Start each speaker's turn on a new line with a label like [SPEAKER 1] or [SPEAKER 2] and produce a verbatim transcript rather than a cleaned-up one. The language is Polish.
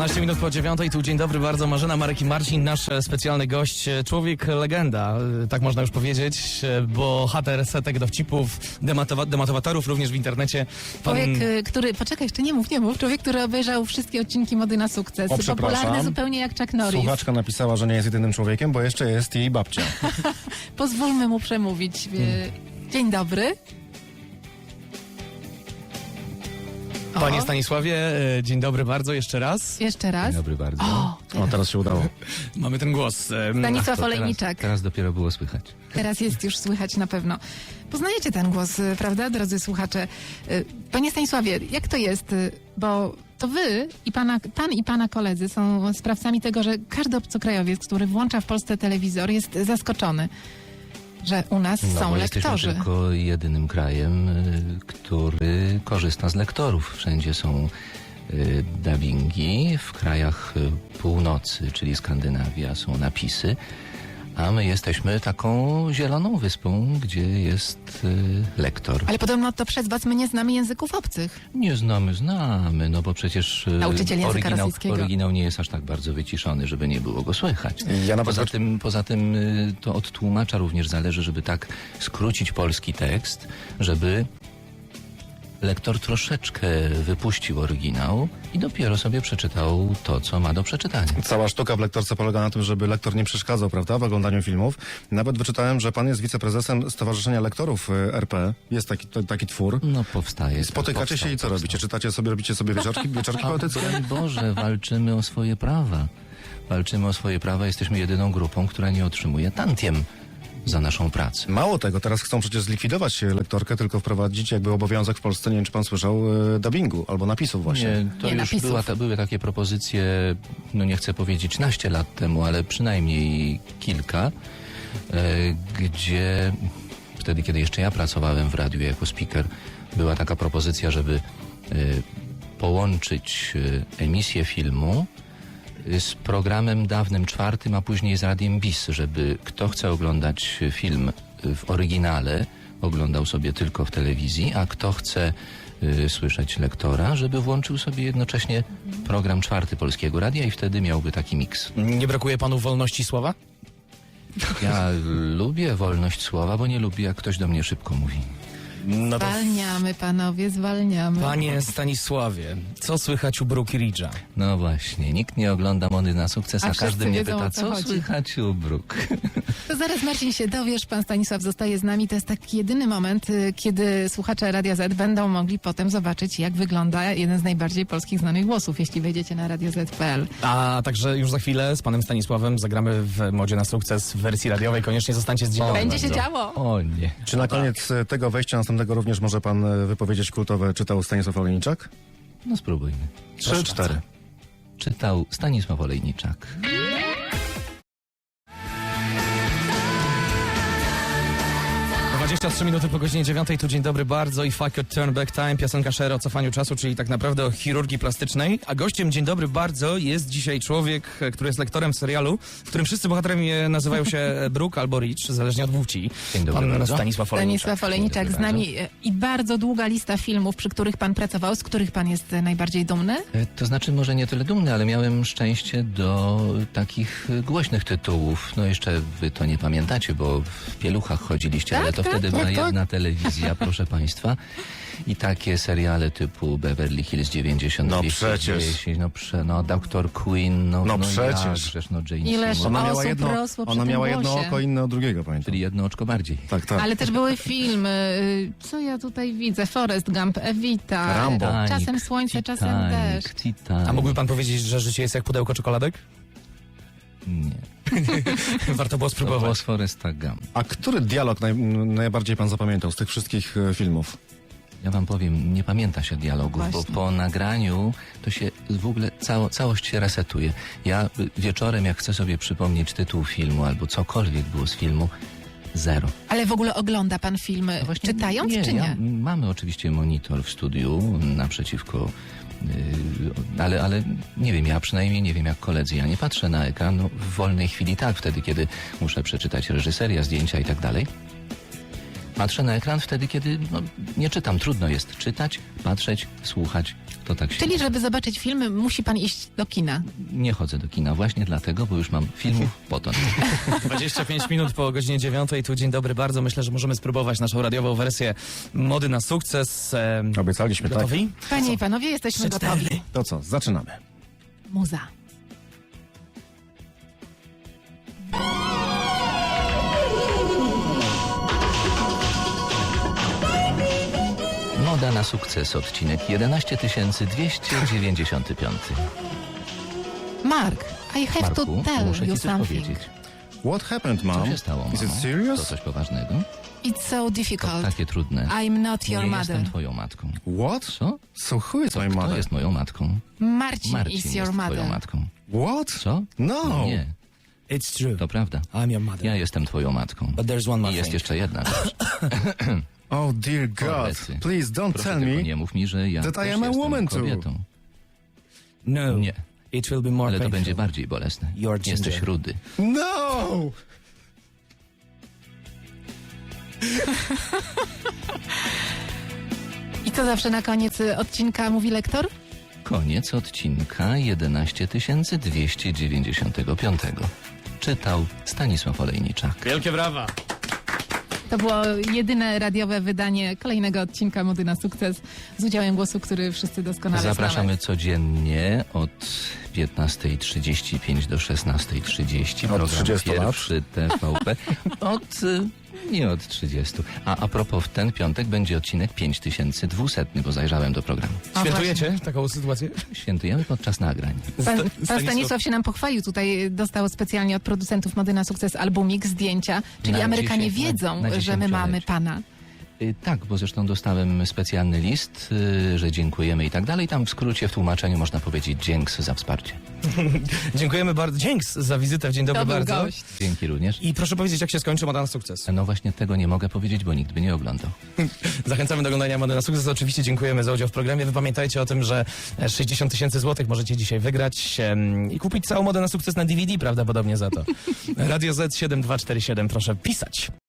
[SPEAKER 1] dwanaście minut po dziewiątej, tu dzień dobry bardzo, Marzena, Marek i Marcin, nasz specjalny gość, człowiek legenda, tak można już powiedzieć, bohater setek dowcipów, dematowa dematowatorów również w internecie. Pan...
[SPEAKER 2] Człowiek, który, poczekaj, jeszcze nie mów, nie mów, człowiek, który obejrzał wszystkie odcinki Mody na sukces,
[SPEAKER 3] O,
[SPEAKER 2] popularny zupełnie jak Chuck Norris.
[SPEAKER 3] Słuchaczka napisała, że nie jest jedynym człowiekiem, bo jeszcze jest jej babcia.
[SPEAKER 2] Pozwólmy mu przemówić. Hmm. Dzień dobry.
[SPEAKER 1] Panie
[SPEAKER 2] O.
[SPEAKER 1] Stanisławie, dzień dobry bardzo, jeszcze raz.
[SPEAKER 2] Jeszcze raz.
[SPEAKER 4] Dzień dobry bardzo.
[SPEAKER 2] O,
[SPEAKER 3] O, teraz się udało.
[SPEAKER 1] Mamy ten głos.
[SPEAKER 2] Stanisław
[SPEAKER 4] To
[SPEAKER 2] Olejniczak.
[SPEAKER 4] teraz, teraz dopiero było słychać.
[SPEAKER 2] Teraz jest już słychać na pewno. Poznajecie ten głos, prawda, drodzy słuchacze? Panie Stanisławie, jak to jest? Bo to wy i pana, pan i pana koledzy są sprawcami tego, że każdy obcokrajowiec, który włącza w Polsce telewizor, jest zaskoczony, że u nas
[SPEAKER 4] No,
[SPEAKER 2] są
[SPEAKER 4] bo
[SPEAKER 2] lektorzy.
[SPEAKER 4] jesteśmy tylko jedynym krajem, y, który korzysta z lektorów. Wszędzie są y, dubbingi. W krajach y, północy, czyli Skandynawia, są napisy. A my jesteśmy taką zieloną wyspą, gdzie jest y, lektor.
[SPEAKER 2] Ale podobno to przez was my nie znamy języków obcych.
[SPEAKER 4] Nie znamy, znamy, no bo przecież y,
[SPEAKER 2] Nauczyciel języka
[SPEAKER 4] oryginał,
[SPEAKER 2] rosyjskiego.
[SPEAKER 4] oryginał nie jest aż tak bardzo wyciszony, żeby nie było go słychać.
[SPEAKER 3] Ja nawet
[SPEAKER 4] Poza tym, poza tym y, to od tłumacza również zależy, żeby tak skrócić polski tekst, żeby lektor troszeczkę wypuścił oryginał i dopiero sobie przeczytał to, co ma do przeczytania.
[SPEAKER 3] Cała sztuka w lektorce polega na tym, żeby lektor nie przeszkadzał, prawda, w oglądaniu filmów. Nawet wyczytałem, że pan jest wiceprezesem Stowarzyszenia Lektorów y, R P. Jest taki, to, taki twór.
[SPEAKER 4] No powstaje.
[SPEAKER 3] Spotykacie
[SPEAKER 4] powstał,
[SPEAKER 3] się i co
[SPEAKER 4] powstał.
[SPEAKER 3] robicie? Czytacie sobie, robicie sobie wieczorki, wieczorki
[SPEAKER 4] A,
[SPEAKER 3] poetyckie?
[SPEAKER 4] broń Boże, walczymy o swoje prawa. Walczymy o swoje prawa. Jesteśmy jedyną grupą, która nie otrzymuje tantiem za naszą pracę.
[SPEAKER 3] Mało tego, teraz chcą przecież zlikwidować lektorkę, tylko wprowadzić jakby obowiązek w Polsce, nie wiem czy pan słyszał, y, dubbingu albo napisów właśnie.
[SPEAKER 4] Nie, to
[SPEAKER 2] Nie,
[SPEAKER 4] już
[SPEAKER 2] napisów.
[SPEAKER 4] była, ta, były takie propozycje, no nie chcę powiedzieć naście lat temu, ale przynajmniej kilka, e, gdzie wtedy, kiedy jeszcze ja pracowałem w radiu jako speaker, była taka propozycja, żeby e, połączyć e, emisję filmu z programem dawnym czwartym, a później z Radiem Bis, żeby kto chce oglądać film w oryginale, oglądał sobie tylko w telewizji, a kto chce y, słyszeć lektora, żeby włączył sobie jednocześnie program czwarty Polskiego Radia i wtedy miałby taki miks.
[SPEAKER 1] Nie brakuje panu wolności słowa?
[SPEAKER 4] Ja lubię wolność słowa, bo nie lubię, jak ktoś do mnie szybko mówi.
[SPEAKER 1] No to
[SPEAKER 2] Zwalniamy, panowie, zwalniamy.
[SPEAKER 1] panie Stanisławie, co słychać u Brooke Ridge'a?
[SPEAKER 4] No właśnie, nikt nie ogląda Mody na sukces,
[SPEAKER 2] A
[SPEAKER 4] a,
[SPEAKER 2] wszyscy
[SPEAKER 4] każdy mnie
[SPEAKER 2] wiedzą,
[SPEAKER 4] pyta,
[SPEAKER 2] o co
[SPEAKER 4] co
[SPEAKER 2] chodzi.
[SPEAKER 4] słychać u Brooke.
[SPEAKER 2] To zaraz, Marcin, się dowiesz, pan Stanisław zostaje z nami. To jest taki jedyny moment, y, kiedy słuchacze Radia Z będą mogli potem zobaczyć, jak wygląda jeden z najbardziej polskich znanych głosów, jeśli wejdziecie na radio zet kropka pe el.
[SPEAKER 1] A także już za chwilę z panem Stanisławem zagramy w Modzie na sukces w wersji radiowej. Koniecznie zostańcie z dzień dobry.
[SPEAKER 2] Będzie się
[SPEAKER 1] bardzo.
[SPEAKER 2] działo.
[SPEAKER 4] O nie.
[SPEAKER 3] Czy na koniec y, tego wejścia następnego również może pan y, wypowiedzieć kultowe czytał Stanisław Olejniczak?
[SPEAKER 4] No spróbujmy.
[SPEAKER 3] Trzy, cztery.
[SPEAKER 4] Czytał Stanisław Olejniczak.
[SPEAKER 1] dwadzieścia trzy minuty po godzinie dziewiątej, tu dzień dobry bardzo i Fuck Your Turn Back Time, piosenka Cher o cofaniu czasu, czyli tak naprawdę o chirurgii plastycznej. A gościem dzień dobry bardzo jest dzisiaj człowiek, który jest lektorem serialu, w którym wszyscy bohaterami nazywają się Brooke albo Rich, zależnie od płci.
[SPEAKER 4] Dzień dobry
[SPEAKER 1] Pan
[SPEAKER 4] bardzo.
[SPEAKER 1] Stanisław Olejniczak.
[SPEAKER 2] Stanisław Olejniczak z nami y, i bardzo długa lista filmów, przy których pan pracował, z których pan jest y, najbardziej dumny?
[SPEAKER 4] E, To znaczy może nie tyle dumny, ale miałem szczęście do takich e, głośnych tytułów. No jeszcze wy to nie pamiętacie, bo w pieluchach chodziliście,
[SPEAKER 2] Tak,
[SPEAKER 4] ale to
[SPEAKER 2] tak,
[SPEAKER 4] wtedy
[SPEAKER 3] tak,
[SPEAKER 4] była
[SPEAKER 3] tak.
[SPEAKER 4] jedna telewizja, proszę państwa. I takie seriale typu Beverly Hills dziewięćdziesiąt,
[SPEAKER 3] No
[SPEAKER 4] dwieście
[SPEAKER 3] przecież.
[SPEAKER 4] dziesięć, no, prze, no doktor Queen, no,
[SPEAKER 3] No
[SPEAKER 4] no
[SPEAKER 3] przecież.
[SPEAKER 4] jakżeż, no Jane
[SPEAKER 2] Ileż
[SPEAKER 4] Seymour.
[SPEAKER 3] Ona miała
[SPEAKER 2] osób
[SPEAKER 3] jedno,
[SPEAKER 2] rosło przy
[SPEAKER 3] ona
[SPEAKER 2] tym
[SPEAKER 3] miała jedno
[SPEAKER 2] głosie.
[SPEAKER 3] oko, inne od drugiego, pamiętam.
[SPEAKER 4] Czyli jedno oczko bardziej.
[SPEAKER 3] Tak, tak.
[SPEAKER 2] Ale też były filmy, y, co ja tutaj widzę? Forrest Gump, Evita,
[SPEAKER 3] Rambo.
[SPEAKER 4] Titanic,
[SPEAKER 2] czasem słońce, czasem
[SPEAKER 4] Titanic,
[SPEAKER 2] deszcz.
[SPEAKER 4] Titanic.
[SPEAKER 1] A mógłby pan powiedzieć, że życie jest jak pudełko czekoladek?
[SPEAKER 4] Nie.
[SPEAKER 1] Warto było
[SPEAKER 4] To
[SPEAKER 1] spróbować.
[SPEAKER 4] było z Forresta Gump.
[SPEAKER 3] A który dialog naj, najbardziej pan zapamiętał z tych wszystkich e, filmów?
[SPEAKER 4] Ja wam powiem, nie pamięta się dialogów,
[SPEAKER 2] Właśnie.
[SPEAKER 4] bo po nagraniu to się w ogóle cało, całość się resetuje. Ja y, wieczorem, jak chcę sobie przypomnieć tytuł filmu albo cokolwiek było z filmu, zero.
[SPEAKER 2] Ale w ogóle ogląda pan filmy
[SPEAKER 4] No właśnie
[SPEAKER 2] czytając,
[SPEAKER 4] nie,
[SPEAKER 2] czy nie?
[SPEAKER 4] Ja, mamy oczywiście monitor w studiu naprzeciwko, y, ale, ale nie wiem, ja przynajmniej nie wiem jak koledzy. Ja nie patrzę na ekran no, w wolnej chwili, tak, wtedy kiedy muszę przeczytać reżyseria, zdjęcia i tak dalej. Patrzę na ekran wtedy, kiedy no, nie czytam. Trudno jest czytać, patrzeć, słuchać. To tak się
[SPEAKER 2] Czyli,
[SPEAKER 4] dzieje.
[SPEAKER 2] żeby zobaczyć filmy, musi pan iść do kina.
[SPEAKER 4] Nie chodzę do kina właśnie dlatego, bo już mam filmów potąd.
[SPEAKER 1] dwadzieścia pięć minut po godzinie dziewiątej, tu dzień dobry bardzo. Myślę, że możemy spróbować naszą radiową wersję Mody na sukces. Em,
[SPEAKER 3] Obiecaliśmy, tak?
[SPEAKER 1] Gotowi?
[SPEAKER 2] Panie i panowie, jesteśmy
[SPEAKER 1] Trzy,
[SPEAKER 2] gotowi.
[SPEAKER 1] cztery.
[SPEAKER 3] To co, zaczynamy.
[SPEAKER 2] Muza.
[SPEAKER 4] Moda na sukces, odcinek jedenaście tysięcy dwieście dziewięćdziesiąty pięć.
[SPEAKER 2] Mark, I have
[SPEAKER 4] Marku,
[SPEAKER 2] to tell
[SPEAKER 4] muszę
[SPEAKER 2] you
[SPEAKER 4] ci coś
[SPEAKER 2] something.
[SPEAKER 4] powiedzieć.
[SPEAKER 3] What happened,
[SPEAKER 4] Co
[SPEAKER 3] mom?
[SPEAKER 4] się stało,
[SPEAKER 3] Is it
[SPEAKER 4] mamo? To
[SPEAKER 3] serious?
[SPEAKER 4] coś poważnego?
[SPEAKER 2] It's so
[SPEAKER 4] To
[SPEAKER 2] difficult.
[SPEAKER 4] takie trudne.
[SPEAKER 2] I'm not your
[SPEAKER 4] Nie
[SPEAKER 2] mother.
[SPEAKER 4] jestem twoją matką.
[SPEAKER 3] What?
[SPEAKER 4] Co?
[SPEAKER 3] So who is
[SPEAKER 4] Co?
[SPEAKER 3] my
[SPEAKER 4] Kto
[SPEAKER 3] mother?
[SPEAKER 4] jest moją matką?
[SPEAKER 2] Marcin,
[SPEAKER 4] Marcin
[SPEAKER 2] is your
[SPEAKER 4] jest twoją
[SPEAKER 2] mother.
[SPEAKER 4] matką.
[SPEAKER 3] What?
[SPEAKER 4] Co?
[SPEAKER 3] No.
[SPEAKER 4] Nie,
[SPEAKER 1] It's true.
[SPEAKER 4] to prawda.
[SPEAKER 1] I'm your mother.
[SPEAKER 4] Ja jestem twoją matką.
[SPEAKER 1] But there's one more
[SPEAKER 4] I jest
[SPEAKER 1] thing.
[SPEAKER 4] jeszcze jedna rzecz.
[SPEAKER 3] Oh dear God,
[SPEAKER 4] Kolecy.
[SPEAKER 3] please don't
[SPEAKER 4] Proszę
[SPEAKER 3] tell
[SPEAKER 4] tylko
[SPEAKER 3] me.
[SPEAKER 4] nie mów mi, że ja
[SPEAKER 3] that I
[SPEAKER 4] też
[SPEAKER 3] am a
[SPEAKER 4] jestem
[SPEAKER 3] woman too.
[SPEAKER 4] kobietą.
[SPEAKER 1] No.
[SPEAKER 4] Nie,
[SPEAKER 1] It will be more
[SPEAKER 4] ale to
[SPEAKER 1] painful.
[SPEAKER 4] będzie bardziej bolesne.
[SPEAKER 1] You're ginger.
[SPEAKER 4] Jesteś rudy.
[SPEAKER 3] No!
[SPEAKER 2] I co zawsze na koniec y, odcinka mówi lektor?
[SPEAKER 4] Koniec odcinka jedenaście tysięcy dwieście dziewięćdziesiąty pięć. Czytał Stanisław Olejniczak.
[SPEAKER 1] Wielkie brawa.
[SPEAKER 2] To było jedyne radiowe wydanie kolejnego odcinka Mody na sukces z udziałem głosu, który wszyscy doskonale
[SPEAKER 4] Zapraszamy
[SPEAKER 2] znamy.
[SPEAKER 4] codziennie od piętnasta trzydzieści pięć do szesnasta trzydzieści.
[SPEAKER 3] Od
[SPEAKER 4] Program
[SPEAKER 3] trzydziestu lat.
[SPEAKER 4] pierwszy T V P. Od... y, Nie od trzydziestu. A a propos, w ten piątek będzie odcinek pięć tysięcy dwieście, bo zajrzałem do programu.
[SPEAKER 2] O,
[SPEAKER 1] Świętujecie taką sytuację?
[SPEAKER 4] Świętujemy podczas nagrań.
[SPEAKER 2] Pan,
[SPEAKER 1] Sta-
[SPEAKER 2] pan
[SPEAKER 1] Stanisław-
[SPEAKER 2] Stanisław się nam pochwalił, tutaj dostał specjalnie od producentów Mody na sukces albumik, zdjęcia, czyli
[SPEAKER 4] Na
[SPEAKER 2] Amerykanie
[SPEAKER 4] dziesięć-
[SPEAKER 2] wiedzą,
[SPEAKER 4] na- na
[SPEAKER 2] że my mamy
[SPEAKER 4] dziesięciolecie.
[SPEAKER 2] pana.
[SPEAKER 4] Y, Tak, bo zresztą dostałem specjalny list, y, że dziękujemy i tak dalej. Tam w skrócie, w tłumaczeniu można powiedzieć dzięks za wsparcie.
[SPEAKER 1] Dziękujemy bardzo. Dzięks za wizytę w Dzień Dobry
[SPEAKER 2] To był
[SPEAKER 1] bardzo.
[SPEAKER 2] gość.
[SPEAKER 4] Dzięki również.
[SPEAKER 1] I proszę powiedzieć, jak się skończy Moda na sukces.
[SPEAKER 4] No właśnie tego nie mogę powiedzieć, bo nikt by nie oglądał.
[SPEAKER 1] Zachęcamy do oglądania Mody na sukces. Oczywiście dziękujemy za udział w programie. Wy pamiętajcie o tym, że sześćdziesiąt tysięcy złotych możecie dzisiaj wygrać em, i kupić całą Modę na sukces na D V D prawdopodobnie za to. Radio Z siedem dwa cztery siedem, proszę pisać.